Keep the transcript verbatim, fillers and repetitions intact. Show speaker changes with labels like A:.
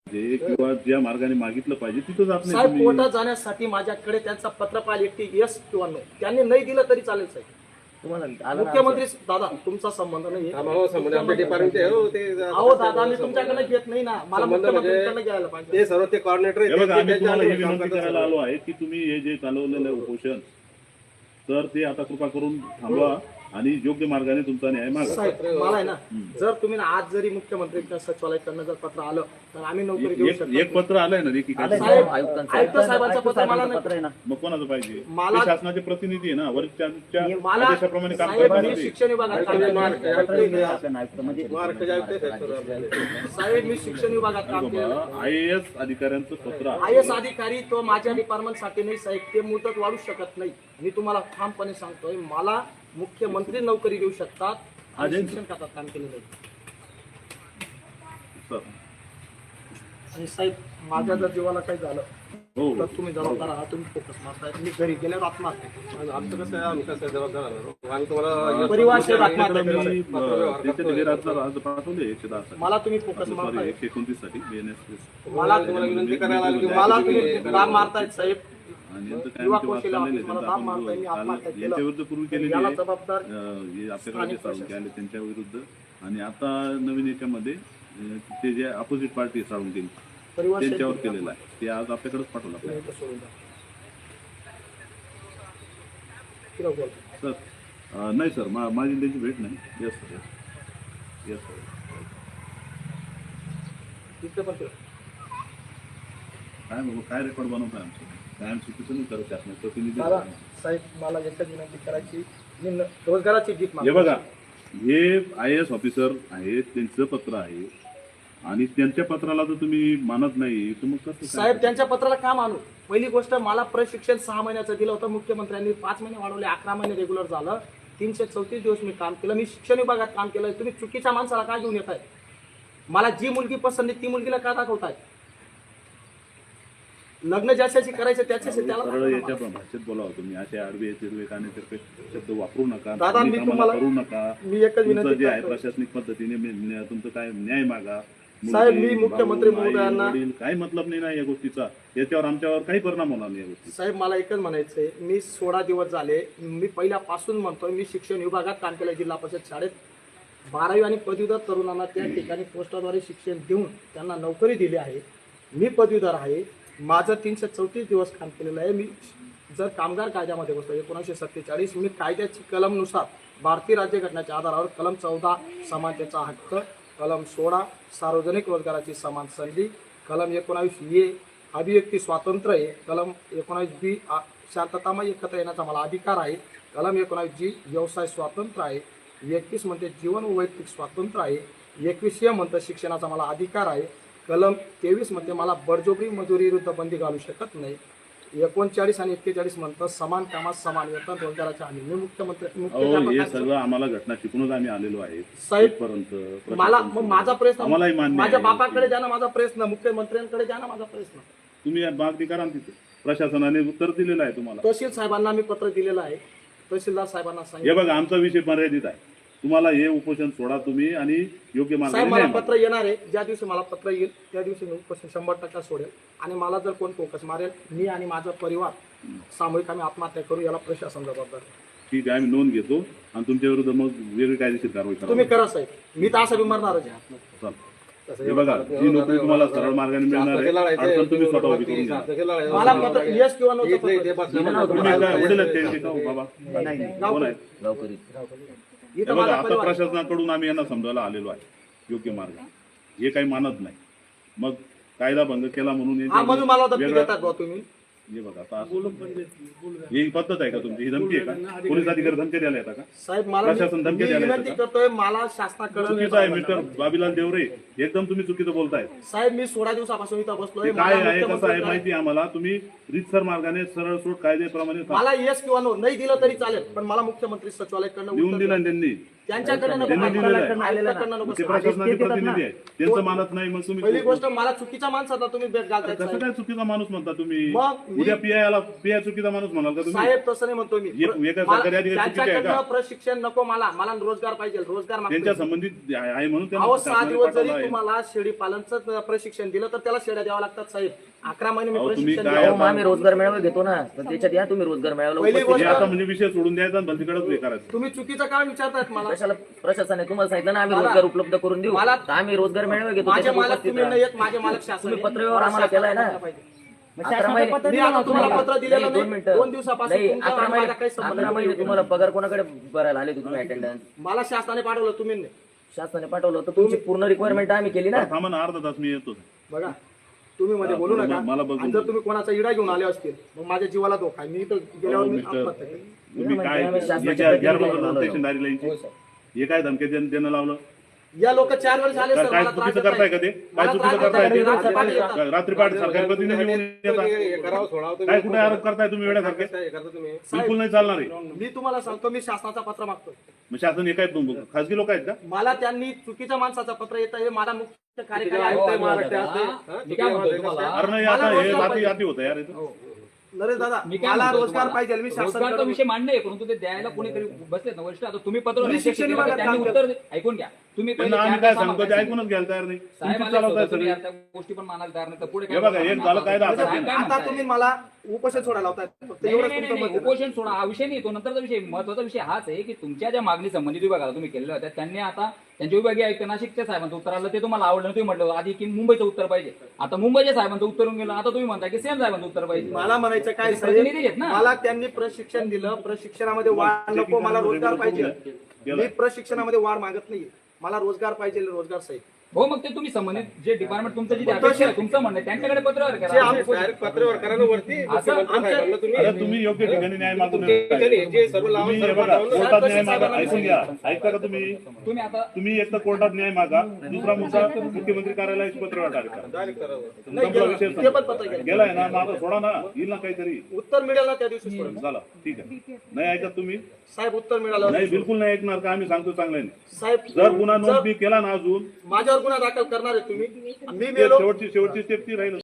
A: जे किंवा ज्या मार्गाने मागितलं पाहिजे तिथं जात नाही
B: साहेब.
A: तुम्ही.
B: कोर्टात जाण्यासाठी माझ्याकडे त्यांचा पत्रपाल एकटी यस किंवा नो त्यांनी नाही दिलं तरी चालेल साहेब. मुख्यमंत्री दादा तुमचा संबंध नाही अहो दादा मी तुमच्याकडे घेत नाही ना, मला मुख्यमंत्र्यांकडे घ्यायला पाहिजे.
C: ते सर्व ते कॉर्डिनेटर
A: हे बघा आम्ही तुम्हाला ही विनंती करायला आलो आहे की तुम्ही हे जे चालवलेलं आहे उपोषण तर ते आता कृपा करून थांबवा आणि योग्य मार्गाने तुमचा न्याय मागा.
B: साहेब मला आहे ना, जर तुम्ही ना आज जरी मुख्यमंत्र्यांच्या सचिवालयाकडनं जर पत्र आलं तर आम्ही नोकरी देऊ
A: एक
B: शकतो.
A: एक पत्र आलंय ना देखील
B: साहेब आयुक्त साहेबांचं पत्र मला नाही.
A: मग कोणाचं पाहिजे?
B: मला-
A: ते शासनाचे प्रतिनिधी आहे ना, वरिष्ठांच्या
B: मला
A: आदेशाप्रमाणे काम
B: साहेब मी
A: करतात.
B: शिक्षण विभागात काम केलं. साहेब मी शिक्षण विभागात काम केलं.
A: आय ए एस अधिकाऱ्यांचं पत्र आहे.
B: आय एस अधिकारी तो माझ्या डिपार्टमेंटसाठी नाही साहेब, ते मुदत वाढू शकत नाही. मी तुम्हाला ठामपणे सांगतोय, मला मुख्यमंत्री नोकरी देऊ शकतात. आणि शिक्षण खात्यात काम केलेलं आहे.
A: सर.
B: आणि साहेब माझ्या जर जीवाला काही झालं
A: हो
B: तर तुम्ही जबाबदार आहात, तुम्ही फोकस मारताय. मी घरी गेल्यावर आत्महत्या
C: आमचं कसं आहे, आम्ही कसं जबाबदार आहोत. आम्ही तुम्हाला
B: परिवार सेवा
A: आपल्याकडे
B: आत्महत्या
A: मी
B: केली.
A: अ, त्याचे निवेदनाचा अर्ज पाठवले एकशे दहा साठी.
B: मला तुम्ही फोकस
A: सॉरी
B: मारताय.
A: एकशे एकोणतीस साठी बी एन एस.
B: मला
C: तुम्हाला विनंती करायला आली की
B: मला तुम्ही काम मारतायत साहेब.
A: आणि यांचं काय
B: युवा
A: आमचे वाद
B: कौशल्य
A: चाललेले
B: ऑफिस
A: आहेत.
B: मला
A: त्यांचं
B: दाब
A: आपण
B: मारताय, मी
A: काल
B: आत्महत्या केलं.
A: यांच्या विरुद्ध पूर्वी केलेली
B: याला
A: आहे.
B: जबाबदार
A: अ, हे आपल्याकडे जे
B: स्थानिक
A: साळुंके आले त्यांच्या विरुद्ध आणि आता नवीन याच्यामध्ये अ, ते जे अपोजिट पार्टी साळुंके
B: परिवार
A: त्यांच्यावर केलेलं आहे ते आज आपल्याकडेच पाठवलं आपल्याला.
B: सोडून द्या. किती बोल.
A: सर अ, नाही सर मा माझी त्यांची भेट नाही. Yes sir yes yes sir.
B: इथं पण ठेव.
A: काय बाबा काय रेकॉर्ड बनवताय आमचं काय आम चुकीचं नाही करत त्यात प्रतिनिधी
B: मला साहेब मला एकच विनंती करायची, मी न- रोजगाराची गीत
A: हे
B: मागतो.
A: बघा हे आय ए एस ऑफिसर आहेत त्यांचं पत्र आहे आणि त्यांच्या पत्राला जर तुम्ही मानत नाही तर मग कसं
B: साहेब
A: काय?
B: त्यांच्या पत्राला का मानू? पहिली गोष्ट मला प्रशिक्षण सहा महिन्याचं दिलं होतं मुख्यमंत्र्यांनी, पाच महिने वाढवले, अकरा महिने रेग्युलर झालं. तीनशे चौतीस दिवस मी काम केलं. मी शिक्षण विभागात काम केलं. तुम्ही चुकीच्या माणसाला काय घेऊन येत आहे? मला जी मुलगी पसंत आहे ती मुलगीला का दाखवताय? लग्न ज्याच्याशी करायचं त्याच्याशी त्याला
A: सरळ
B: दाखवा
A: याच्या
B: मला.
A: भाषेत बोलावं तुम्ही असे आडवे तिरवे कानेतिरपे शब्द वापरू नका.
B: दादा, मी
A: तुम्ही कामाला
B: तुम्हाला-
A: करू नका.
B: मी एकच
A: तुमचं
B: विनंती
A: जे आहे
B: करतो.
A: प्रशासनिक पद्धतीने मी- न्या- तुमचं काय न्याय मागा.
B: साहेब,
A: मुलगी,
B: मी मुख्यमंत्री
A: भाऊ, आई,
B: महोदयांना-
A: वडील, काही मतलब नाही ना या गोष्टीचा. याच्यावर आमच्यावर काही परिणाम होणार नाही या गोष्टी.
B: साहेब मला एकच म्हणायचंय, मी सोळा दिवस झाले, मी पहिल्यापासून म्हणतोय, मी शिक्षण विभागात काम केलं जिल्हा परिषद शाळेत. बारावी आणि पदवीधर तरुणांना त्या ठिकाणी पोस्टाद्वारे शिक्षण देऊन त्यांना नोकरी दिली आहे. मी पदवीधर आहे. माझं तीनशे चौतीस दिवस काम केलेलं आहे. मी जर कामगार कायद्यामध्ये बसतो एकोणीसशे सत्तेचाळीस, मी कायद्याची कलमनुसार भारतीय राज्यघटनेच्या आधारावर कलम चौदा समानतेचा हक्क, कलम सोळा सार्वजनिक रोजगाराची समान संधी, कलम एकोणावीस ए अभिव्यक्ती स्वातंत्र्य आहे, कलम एकोणावीस बी शांततामय एकत्र येण्याचा मला अधिकार आहे, कलम एकोणावीस जी व्यवसाय स्वातंत्र्य आहे, एकवीस म्हणते जीवन व वैयक्तिक स्वातंत्र्य आहे, एकवीस ए म्हणतं शिक्षणाचा मला अधिकार आहे, कलम तेवीस मध्ये मला बळजबरी मजुरी विरुद्ध बंदी घालू शकत नाही, एकोणचाळीस आणि एक्केचाळीस म्हणतं समान कामात समान वेतन रोजगाराच्या हमी. मी मुख्यमंत्री
A: अहो हे
B: मुख्य
A: सगळं आम्हाला घटना शिकूनच आम्ही आलेलो आहे
B: साहेब,
A: इथपर्यंत.
B: मला मग माझा प्रश्न
A: आम्हालाही मान्य
B: माझ्या
A: आहे.
B: बापाकडे द्या ना माझा प्रश्न, मुख्यमंत्र्यांकडे द्या ना माझा प्रश्न.
A: तुम्ही मागणी करा ना तिथे. प्रशासनाने उत्तर दिलेलं आहे तुम्हाला.
B: तहसील साहेबांना मी पत्र दिलेलं आहे. तहसीलदार साहेबांना
A: हे
B: सांगितलं.
A: बघा आमचा विषय मर्यादित आहे. तुम्हाला हे उपोषण सोडा तुम्ही आणि योग्य
B: साहेब
A: मार्गाने
B: मला
A: न्याय
B: पत्र येणार आहे. ज्या दिवशी मला पत्र येईल त्या दिवशी मी उपोषण शंभर टक्का सोडेल. आणि मला जर कोण फोकस मारेल, मी आणि माझा परिवार सामूहिक आम्ही आत्महत्या करू, याला प्रशासन जबाबदार आहे.
A: ठीक आहे आम्ही नोंद घेतो आणि तुमच्या विरुद्ध मग वेगळी कायदेशीर कारवाई करा.
B: तुम्ही करा साहेब, मी तर असं बिमारणारच आहे.
A: चल. हे बघा जी नोकरी तुम्हाला सरळ मार्गाने मिळणार आहे अडचण तुम्ही स्वतः उभी करून घ्या.
B: मला पत्र यस किंवा नो
A: तुम्ही काय वडील आहेत त्यांचे का हो बाबा? कोण आहेत? हे
B: इथं
A: बघा
B: माझा
A: आता
B: परिवार आहे.
A: प्रशासनाकडून आम्ही यांना समजायला आलेलो आहे योग्य मार्ग. हे काही मानत नाही. मग कायदा भंग केला म्हणून
B: हा
A: याच्यावर
B: म्हणून मला धमकी
A: वेगळा-
B: देतात भाऊ तुम्ही.
A: हे बघा आता असं- ही पद्धत आहे का तुमची? ही धमकी आहे का? पोलीस अधिकारी धमकी द्यायला येतात का?
B: साहेब मला
A: प्रशासन
B: मी
A: धमकी
B: मी
A: द्यायला
B: विनंती
A: येतं
B: करतोय, मला शासनाकडे
A: चुकीचं आहे मिस्टर बाबीलाल देवरे. एकदम तुम्ही चुकीचं बोलताय.
B: साहेब मी सोळा दिवसापासून इथं बसलोय.
A: ते काय
B: मला
A: आहे कसं आहे
B: मुख्यमंत्री-
A: माहिती आहे आम्हाला. तुम्ही रीतसर मार्गाने सरळ सोड कायद्याप्रमाणे
B: मला येस किंवा नो नाही दिलं तरी चालेल, पण मला मुख्यमंत्री सचिवालयाकडनं
A: लिहून
B: उत्तर
A: दिला
B: द्या.
A: त्यांनी
B: त्यांच्याकडे नको
A: त्यांनी दिलेलं आहे.
B: आयुक्ताकडनं नको
A: ते
B: सर.
A: प्रशासनाचे प्रतिनिधी आहे त्यांचं मानत नाही मग
B: पहिली
A: तुम्ही
B: गोष्ट मला चुकीच्या माणसाला तुम्ही भेट घालताय
A: कसं
B: साहेब.
A: काय चुकीचा माणूस म्हणता तुम्ही
B: मग मी-
A: उद्या पीआयला पीआय चुकीचा माणूस म्हणाल का तुम्ही
B: साहेब तसं नाही म्हणतो मी
A: एक- एका
B: मला-
A: सरकारी अधिकारी चुकीचे आहे का?
B: त्यांच्याकडनं प्रशिक्षण नको मला मला रोजगार पाहिजे रोजगार मागतोय.
A: त्यांच्या संबंधित आहे आहे म्हणून त्यांना
B: अहो सहा
A: शासनाने
B: दिवस जरी
A: पाठवलं आहे.
B: तुम्हाला शेळी पालनचं प्रशिक्षण दिलं तर त्याला शेळ्या द्यावा लागतात साहेब. अकरा महिने मी
A: अहो, तुम्ही
B: प्रशिक्षण
A: काय
B: दिलं.
D: अहो, आम्ही रोजगार मेळावा घेतो ना तर त्याच्यात या तुम्ही रोजगार मेळाव्याला
B: पहिली
D: उपस्थित
A: हे
B: गोष्ट-
A: आता म्हणजे विषय सोडून द्यायचा आणि भलतीकडेच हे करायचं
B: तुम्ही चुकीचं काय विचारतायत मला
D: कशाला प्रशासनाने तुम्हाला सांगितलं ना आम्ही
B: मला-
D: रोजगार उपलब्ध करून देऊ
B: मला-
D: तर आम्ही रोजगार मेळावा घेतो
B: माझे
D: त्याच्यात
B: मालक
D: उपस्थित
B: तुम्ही
D: राहा.
B: नाही येत माझे मालक शासन
D: तुम्ही
B: आहे.
D: पत्रव्यवहार आम्हाला
B: मला
D: केलाय ना
B: शासनाला पाहिजे.
D: अकरा महिने
B: मी आता तुम्हाला पत्र दिलेलं
D: नाही,
B: नाही.
D: दोन मिनिटं
B: दोन दिवसापासून
D: नाही,
B: तुमचा
D: अकरा
B: आणि
D: महिने
B: माझा काही संबंध
D: अकरा महिने
B: नाही.
D: तुम्हाला पगार कोणाकडे भरायला आले होते तुम्ही अटेंडन्स
B: मला शासनाने पाठवलं तुम्ही नाही.
D: शासनाने पाठवलं होतं तुमची पूर्ण रिक्वायरमेंट आम्ही केली ना
A: थांबा ना अर्धा तास मी येतो
B: बघा तुम्ही मध्ये बोलू
A: मला-
B: नका
A: मला बघून
B: आणि जर तुम्ही कोणाचा इडा घेऊन आले असतील मग माझ्या जीवाला धोका आहे. मी तर गेल्यावर मी
A: मिस्टर
B: आत्महत्या केली.
A: तुम्ही काय
D: आम्ही शासनाच्या
A: याच्या
D: प्रतिनिधी
A: गैरप्रकार
D: म्हणून
A: स्टेशनदारी लाईनची हे काय धमकी देणं देणं लावलं
B: या लोक चार वेळेस आले
A: काय
B: सर
A: काय
B: मला त्रास
A: चुकीचं
B: देताय.
A: करताय का ते काय
B: मला
A: चुकीचं
B: त्रास
A: करताय
B: देताय.
A: ते
B: रात्री पाठी येतात.
A: काय रात्री पहाटे सरकारी प्रतिनिधी येऊन येतात
C: हे करावं सोडावं तुम्ही.
A: काय कुठे आरोप करताय तुम्ही वेळासारखे
C: कसं हे करता तुम्ही
A: बिलकुल नाही चालणार आहे
B: मी तुम्हाला सांगतो मी शासनाचा पत्र मागतो
A: मग शासन हे काय तुम- खासगी लोक आहेत का
B: मला त्यांनी चुकीच्या माणसाचं पत्र येतं हे मला मुख्य कार्यकारी
C: आयुक्त
B: आयुक्त
C: आहे,
B: आहे
C: महाराष्ट्र
B: महाराष्ट्र.
C: असते. हा?
E: मी काय म्हणतोय तुम्हाला
A: अरे नाही
B: मला
A: आता हे
B: रोजगार
A: रात्री
B: पाहिजे.
A: रात्री होतं यार इथं.
B: नरेश दादा
E: मी काय
B: मला
E: म्हणतोय
B: रोजगार
E: तुम्हाला?
B: पाहिजे मी
E: रोजगारचा
B: शासनाकडे
E: विषय मांडणे आहे परंतु ते द्यायला कोणीतरी बसलेत ना वरिष्ठ आता तुम्ही पत्र
B: मी
E: अध्यक्ष
B: शिक्षण
E: केलं,
B: विभागात
E: त्यांनी
B: काम
E: उत्तर दे- ऐकून घ्या तुम्ही पहिले
A: त्यांना आम्ही
E: चार
A: काय
E: तास
A: सांगतो ते
E: आम्हाला
A: ऐकूनच घ्यायला तयार नाही
E: साहेब
A: तुमचीच
E: आले
A: चालवताय
E: होते, तुम्ही
A: सगळी
E: आता गोष्टी पण मानायला तयार नाही तर पुढे
A: हे
E: काय
A: बघा, एक
E: म्हणणार?
A: झालं कायदा
E: साहेब
A: आता
E: काय
B: आता
E: म्हणताय?
B: तुम्ही मला उपोषण सोडायला लावताय फक्त
E: नाही,
B: एवढंच
E: नाही,
B: तुमचं
E: नाही,
B: मत
E: नाही,
B: आहे.
E: उपोषण सोडा हा विषय नाही तो नंतरचा विषय महत्वाचा विषय हाच आहे की तुमच्या ज्या मागणी संबंधित विभागाला तुम्ही केलेल्या होत्या त्यांनी आता त्यांच्या विभागीय आयुक्त नाशिकच्या साहेबांचं उत्तर आलं ते तुम्हाला आवडलं तुम्ही म्हटलं आधी की मुंबईचं उत्तर पाहिजे आता मुंबईच्या साहेबांचं उत्तर येऊन गेलं आता तुम्ही म्हणता की सेम साहेबांचं उत्तर पाहिजे
B: मला म्हणायचं काय
E: ते प्रतिनिधी
B: साहेब
E: आहेत ना.
B: मला त्यांनी प्रशिक्षण दिलं प्रशिक्षणामध्ये वाढ नको मला रोजगार पाहिजे मी प्रशिक्षणामध्ये वाढ मागत नाही मला रोजगार पाहिजे रोजगार साहेब
E: हो मग ते तुम्ही संबंधित जे डिपार्टमेंट तुमचं जे अपेक्षा आहे तुमचं म्हणणं आहे, त्यांच्याकडे पत्रव्यवहार
B: जे
E: करा
B: आम्ही-
C: डायरेक्ट पत्रव्यवहार करा ना वरती मुख्यमंत्री साहेबांना तुम्ही
A: अरे तुम्ही योग्य ठिकाणी न्याय मागून
C: तुमच्या जे सर्व लावून
A: तुम्ही हे
C: सर्व
A: बघा
C: लावून
A: कोर्टात न्याय मागा ऐकून घ्या ऐकता का तुम्ही
E: तुम्ही आता
A: तुम्ही एक तर कोर्टात न्याय मागा दुसरा मुद्दा मुख्यमंत्री कार्यालयाची पत्र टाका
C: डायरेक्ट करावं.
A: संपला विषय
B: ते पण पत्र गेलं.
A: गेलाय ना माझा सोडा ना येईल ना काहीतरी
B: उत्तर मिळेल ना त्या दिवशी सोडून.
A: झाला ठीक आहे नाही ऐकत तुम्ही
B: साहेब उत्तर मिळालं
A: नाही बिलकुल नाही ऐकणार का आम्ही सांगतो चांगल्याने
B: साहेब
A: जर गुन्हा नोंद
B: जर
A: मी केला ना अजून
B: माझ्यावर गुन्हा दाखल करणार आहे तुम्ही मी
A: ते
B: मेलो
A: शेवटची शेवटची स्टेप ती राहील